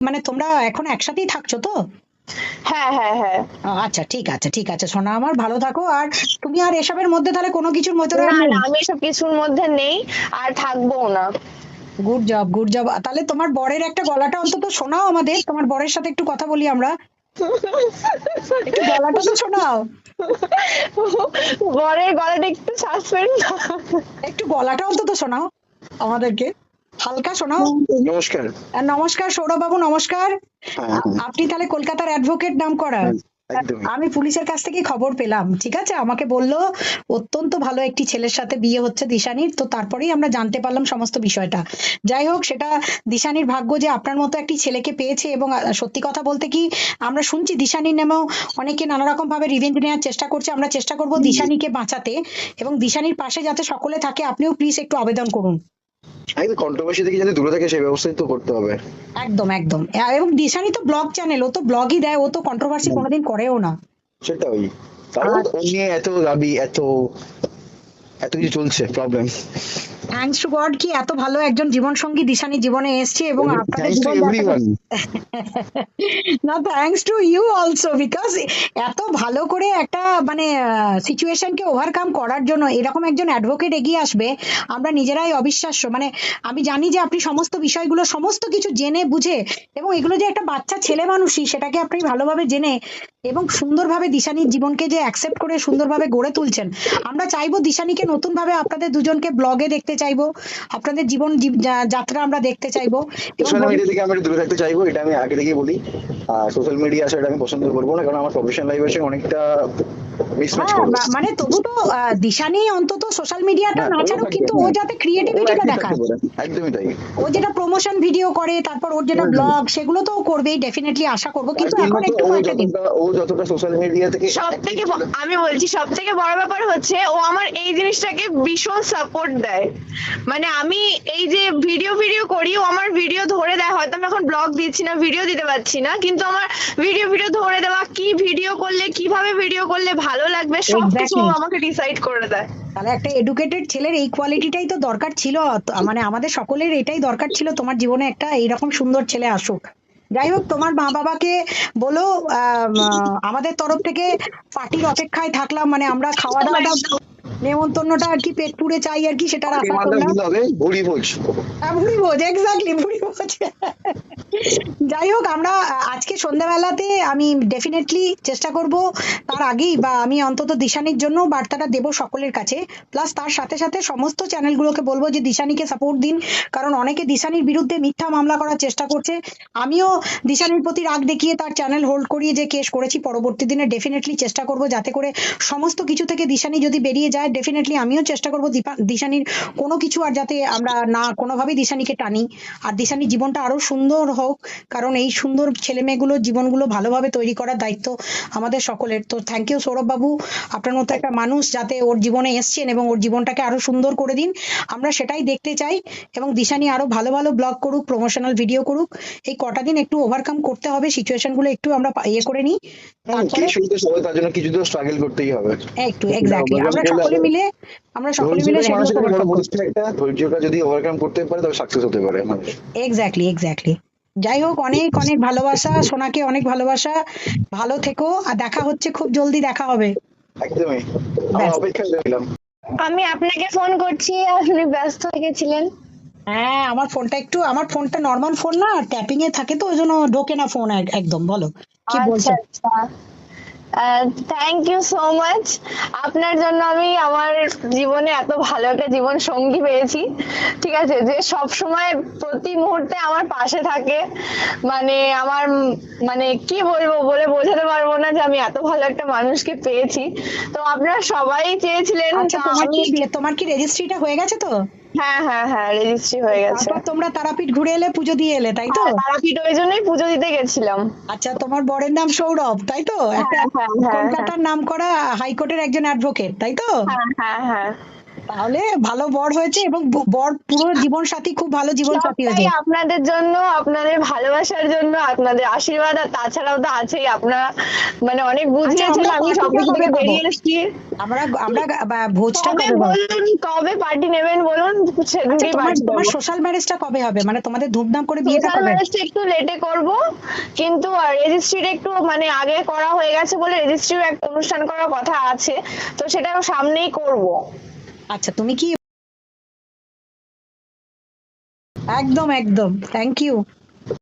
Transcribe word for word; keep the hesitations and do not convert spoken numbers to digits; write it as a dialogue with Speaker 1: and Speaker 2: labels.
Speaker 1: মানে তোমরা এখন একসাথেই থাকছো তো?
Speaker 2: হ্যাঁ হ্যাঁ হ্যাঁ।
Speaker 1: আচ্ছা ঠিক আছে ঠিক আছে সোনা আমার, ভালো থাকো। আর তুমি আর এসবের মধ্যে তাহলে কোনো কিছুর মধ্যে আর
Speaker 2: না
Speaker 1: নেই?
Speaker 2: না, আমি এসব কিছুর মধ্যে নেই, আর থাকবো না।
Speaker 1: Good job good job. তাহলে তোমার বরের একটা গলাটা অন্তত শোনাও আমাদের, তোমার বরের সাথে একটু কথা বলি আমরা, একটু গলাটা তো শোনাও।
Speaker 2: বরের গলাটা একটু সাসপেন্ড।
Speaker 1: একটু গলাটা অন্তত শোনাও আমাদেরকে, হালকা শোনাও।
Speaker 3: নমস্কার।
Speaker 1: আর নমস্কার সৌরভ বাবু, নমস্কার।
Speaker 3: হ্যাঁ,
Speaker 1: আ-
Speaker 3: হ্যাঁ,
Speaker 1: আপনি তাহলে কলকাতার অ্যাডভোকেট নাম করা?
Speaker 3: হ্যাঁ, একদমই।
Speaker 1: আমি পুলিশের কাছ থেকে খবর পেলাম, ঠিক আছে, আমাকে বললো অত্যন্ত ভালো একটি ছেলের সাথে বিয়ে হচ্ছে দিশানির, তো তারপরেই আমরা জানতে পারলাম সমস্ত বিষয়টা। যাই হোক, সেটা দিশানির ভাগ্য যে আপনার মতো একটি ছেলেকে পেয়েছে। এবং আহ, সত্যি কথা বলতে কি, আমরা শুনছি দিশানির নামেও অনেকে নানা রকম ভাবে রিভেঞ্জ নেওয়ার চেষ্টা করছে। আমরা চেষ্টা করব দিশানিকে বাঁচাতে এবং দিশানির পাশে যাতে সকলে থাকে। আপনিও প্লিজ একটু আবেদন করুন।
Speaker 3: একদম কন্ট্রোভার্সি থেকে যাতে দূরে থাকে সেই ব্যবস্থাই তো করতে হবে।
Speaker 1: একদম একদম। আহ, এবং দিশানি তো ব্লগ চ্যানেল, ও তো ব্লগই দেয়, ও তো কন্ট্রোভার্সি
Speaker 3: হুম।
Speaker 1: কোনোদিন করেও না।
Speaker 3: সেটাই। তাও
Speaker 1: আর
Speaker 3: ও নিয়ে এত দাবি, এত এত কিছু চলছে প্রবলেম।
Speaker 1: থ্যাঙ্কস টু গড কি এত ভালো একজন জীবন সঙ্গী দিশানি জীবনে এসেছে এবং আপনাদের
Speaker 3: থ্যাঙ্কস টু
Speaker 1: জীবন যাত্রা।
Speaker 3: এভরিওয়ান।
Speaker 1: না, thanks to you also, because এত ভালো করে একটা মানে সিচুয়েশনকে ওভারকাম করার জন্য এরকম একজন অ্যাডভোকেট এগিয়ে আসবে, আমরা নিজেরাই অবিশ্বাস্য। মানে আমি জানি যে আপনি সমস্ত বিষয়গুলো সমস্ত কিছু জেনে বুঝে, এবং এগুলো যে একটা বাচ্চা ছেলে মানুষই সেটাকে আপনি ভালোভাবে জেনে এবং সুন্দরভাবে দিশানির জীবনকে যে অ্যাকসেপ্ট করে সুন্দরভাবে গড়ে তুলছেন। আমরা চাইবো দিশানিকে নতুন ভাবে আপনাদের দুজনকে ব্লগে দেখতে চাইবো, আপনাদের জীবন জীব- যা- যাত্রা আমরা দেখতে চাইবো। এবং
Speaker 3: সোশ্যাল মিডিয়া
Speaker 1: ভবিষ্যৎ
Speaker 3: থেকে আমি একটু দূরে থাকতে চাইবো, এটা আমি আগে থেকেই বলি। আর সোশ্যাল মিডিয়া আসাটা আমি পছন্দ করবো না, কারণ আমার প্রফেশনাল লাইফের সঙ্গে অনেকটা মিসম্যাচ
Speaker 1: হ্যাঁ,
Speaker 3: করবে।
Speaker 1: মা- মানে তবু তো আহ, দিশানি অন্তত সোশ্যাল মিডিয়াটা
Speaker 3: হ্যাঁ,
Speaker 1: না
Speaker 3: ও
Speaker 1: ছাড়ুক,
Speaker 3: থাকবে,
Speaker 1: কিন্তু ও
Speaker 3: হ্যাঁ।
Speaker 1: যাতে
Speaker 3: ও
Speaker 1: ক্রিয়েটিভিটিটা
Speaker 3: অ্যাক্টিভ থাকতে
Speaker 1: দেখায়।
Speaker 3: পারে, একদমই তাই।
Speaker 1: ও যেটা প্রমোশন ভিডিও করে, তারপর ওর যেটা
Speaker 3: হুম, হুম।
Speaker 1: ব্লগ, সেগুলো তো ও করবেই, ডেফিনেটলি আশা করবো,
Speaker 3: তার
Speaker 1: কিন্তু
Speaker 3: জন্য
Speaker 1: এখন
Speaker 3: তো
Speaker 1: একটু
Speaker 3: ও
Speaker 1: কয়েকটা দিন।
Speaker 3: যতটা ও যতটা সোশ্যাল মিডিয়া থেকে
Speaker 2: সব থেকে আমি বলছি সব থেকে বড় ব্যাপার হচ্ছে ও আমার এই জিনিসটাকে ভীষণ সাপোর্ট দেয়। মানে আমি এই যে ভিডিও ভিডিও করি, ও আমার ভিডিও ধরে দেয়, হয়তো আমি এখন ব্লগ দিচ্ছি না, ভিডিও দিতে পারছি না, কিন্তু আমার ভিডিও ভিডিও ধরে দেওয়া, কি ভিডিও করলে কিভাবে ভিডিও করলে ভালো লাগবে সবকিছু ও
Speaker 1: এক্স্যাক্টলি।
Speaker 2: আমাকে ডিসাইড করে দেয়।
Speaker 1: তাহলে একটা এডুকেটেড ছেলের এই কোয়ালিটিটাই তো দরকার ছিল। তো মানে আমাদের সকলের এটাই দরকার ছিল, তোমার জীবনে একটা এইরকম সুন্দর ছেলে আসুক। যাই হোক, তোমার মা বাবাকে বলো আম, আহ, আমাদের তরফ থেকে পার্টির অপেক্ষায় থাকলাম, মানে আমরা খাওয়া দাওয়াটা নেমন্তন্নটা আর কি পেট পুড়ে চাই আর কি, সেটার আশা
Speaker 3: ডিমান্ডটা
Speaker 1: করলাম।
Speaker 3: কিন্তু হবে ভুড়ি ভোজ।
Speaker 1: হ্যাঁ, ভুড়ি ভোজ, এক্স্যাক্টলি ভুড়ি ভোজ। যাই হোক, আমরা আহ, আজকে সন্ধ্যাবেলাতে আমি ডেফিনেটলি চেষ্টা করব, তার আগেই বা আমি অন্তত দিশানির জন্য বার্তাটা দেব সকলের কাছে। প্লাস তার সাথে সাথে সমস্ত চ্যানেলগুলোকে বলবো যে দিশানিকে সাপোর্ট দিন, কারণ অনেকে দিশানির বিরুদ্ধে মিথ্যা মামলা করার চেষ্টা করছে। আমিও দিশানির প্রতি রাগ দেখিয়ে তার চ্যানেল হোল্ড করিয়ে যে কেস করেছি, পরবর্তী দিনে ডেফিনেটলি চেষ্টা করব যাতে করে সমস্ত কিছু থেকে দিশানি যদি বেরিয়ে যায়, ডেফিনেটলি আমিও চেষ্টা করব দিশানির কোনো কিছু আর যাতে আমরা না কোনোভাবেই দিশানিকে টানি। আর দিশানির জীবনটা আরো সুন্দর হোক, কারণ এই সুন্দর ছেলে মেয়েগুলোর জীবনগুলো ভালোভাবে তৈরি করার দায়িত্ব আমাদের সকলের। তো থ্যাংক ইউ সৌরভ বাবু, আপনার মতো একটা মানুষ যাতে ওর জীবনে এসছেন এবং ওর জীবনটাকে আরো সুন্দর করে দিন, আমরা সেটাই দেখতে চাই। এবং দিশানি আরো ভালো ভালো ব্লগ করুক, প্রমোশনাল ভিডিও করুক। এই কটা দিন একটু ওভারকাম করতে হবে, সিচুয়েশন গুলো একটু আমরা পা- ইয়ে করে নিই,
Speaker 3: হুম,
Speaker 1: তারপরে
Speaker 3: কিছু তো সবাই তার জন্য কিছু তো স্ট্রাগল করতেই হবে।
Speaker 1: একটু
Speaker 3: তো সেটা
Speaker 1: এক্স্যাক্টলি
Speaker 3: overcome
Speaker 1: আমরা
Speaker 3: করলে
Speaker 1: সকলে
Speaker 3: আবার
Speaker 1: মিলে আমরা সকলে মিলে
Speaker 3: ধৈর্যটাই
Speaker 1: সেগুলোকে
Speaker 3: মানুষের কাছে বড়
Speaker 1: ওভারকাম করবো।
Speaker 3: বস্তু, একটা ধৈর্যটা যদি ওভারকাম করতে পারে তবে সাকসেস হতে পারে মানুষ।
Speaker 1: Exactly exactly. যাই হোক, অনেক অনেক ভালোবাসা সোনাকে, অনেক ভালোবাসা। ভালো থেকো, আর দেখা হচ্ছে, খুব জলদি দেখা হবে।
Speaker 3: একদমই। আমরা
Speaker 1: ব্যাস।
Speaker 3: অপেক্ষায় রইলাম।
Speaker 2: আমি আপনাকে ফোন করছি, আপনি ব্যস্ত হয়ে গেছিলেন।
Speaker 1: হ্যাঁ, আমার ফোনটা একটু, আমার ফোনটা নর্মাল ফোন না, ট্যাপিং এ থাকে তো ওই জন্য ঢোকে না ফোন একদম। বলো কি
Speaker 2: আচ্ছা
Speaker 1: বলছো?
Speaker 2: আচ্ছা। Thank you so much. আপনার জন্য আমি আমার জীবনে এত ভালো একটা জীবন সঙ্গী পেয়েছি, ঠিক আছে, যে সব সময় প্রতি মুহূর্তে আমার পাশে থাকে। মানে আমার উম মানে কি বলবো, বলে বোঝাতে পারবো না যে আমি এত ভালো একটা মানুষকে পেয়েছি। তো আপনারা সবাই চেয়েছিলেন,
Speaker 1: আচ্ছা,
Speaker 2: তা
Speaker 1: তোমার
Speaker 2: আমি।
Speaker 1: কি তোমার কি রেজিস্ট্রিটা হয়ে গেছে তো?
Speaker 2: হ্যাঁ হ্যাঁ হ্যাঁ, রেজিস্ট্রি হয়ে গেছে।
Speaker 1: তারপর তোমরা তারাপীঠ ঘুরে এলে, পুজো দিয়ে এলে, তাই তো?
Speaker 2: হ্যাঁ, তারাপীঠ ওই জন্যই পুজো দিতে গেছিলাম।
Speaker 1: আচ্ছা, তোমার বরের নাম সৌরভ, তাই তো?
Speaker 2: হ্যাঁ
Speaker 1: একটা
Speaker 2: হ্যাঁ হ্যাঁ হ্যাঁ
Speaker 1: কলকাতার নাম করা হাইকোর্টের একজন অ্যাডভোকেট, তাই তো?
Speaker 2: হ্যাঁ হ্যাঁ হ্যাঁ।
Speaker 1: তাহলে ভালো বর হয়েছে, এবং ব- বর পুরো জীবন সাথী, খুব ভালো জীবন সাথী
Speaker 2: সবটাই
Speaker 1: হয়েছে।
Speaker 2: আপনাদের জন্য, আপনাদের ভালোবাসার জন্য, আপনাদের আশীর্বাদ, আর তাছাড়াও তো আছেই, আপনারা মানে অনেক বুঝিয়েছেন,
Speaker 1: আমরা
Speaker 2: আমি
Speaker 1: পার্টিটা
Speaker 2: সবকিছু
Speaker 1: কবে
Speaker 2: থেকে
Speaker 1: পাবো?
Speaker 2: বেরিয়ে এসেছি।
Speaker 1: আমরা আমরা বা- ভোজটা
Speaker 2: কবে
Speaker 1: কবে পাবো?
Speaker 2: বলুন, কবে পার্টি নেবেন বলুন,
Speaker 1: আচ্ছা,
Speaker 2: সেদিনকেই
Speaker 1: তোমার
Speaker 2: পার্টি
Speaker 1: তোমার
Speaker 2: দেবো।
Speaker 1: সোশ্যাল ম্যারেজটা কবে হবে, মানে তোমাদের ধুমধাম করে বিয়েটা
Speaker 2: সোশ্যাল
Speaker 1: কবে?
Speaker 2: ম্যারেজটা একটু লেটে করব, কিন্তু রেজিস্ট্রিটা একটু মানে আগে করা হয়ে গেছে বলে রেজিস্ট্রিও একটা অনুষ্ঠান করার কথা আছে, তো সেটা সামনেই করব।
Speaker 1: আচ্ছা, তুমি কি? একদম একদম, থ্যাংক ইউ।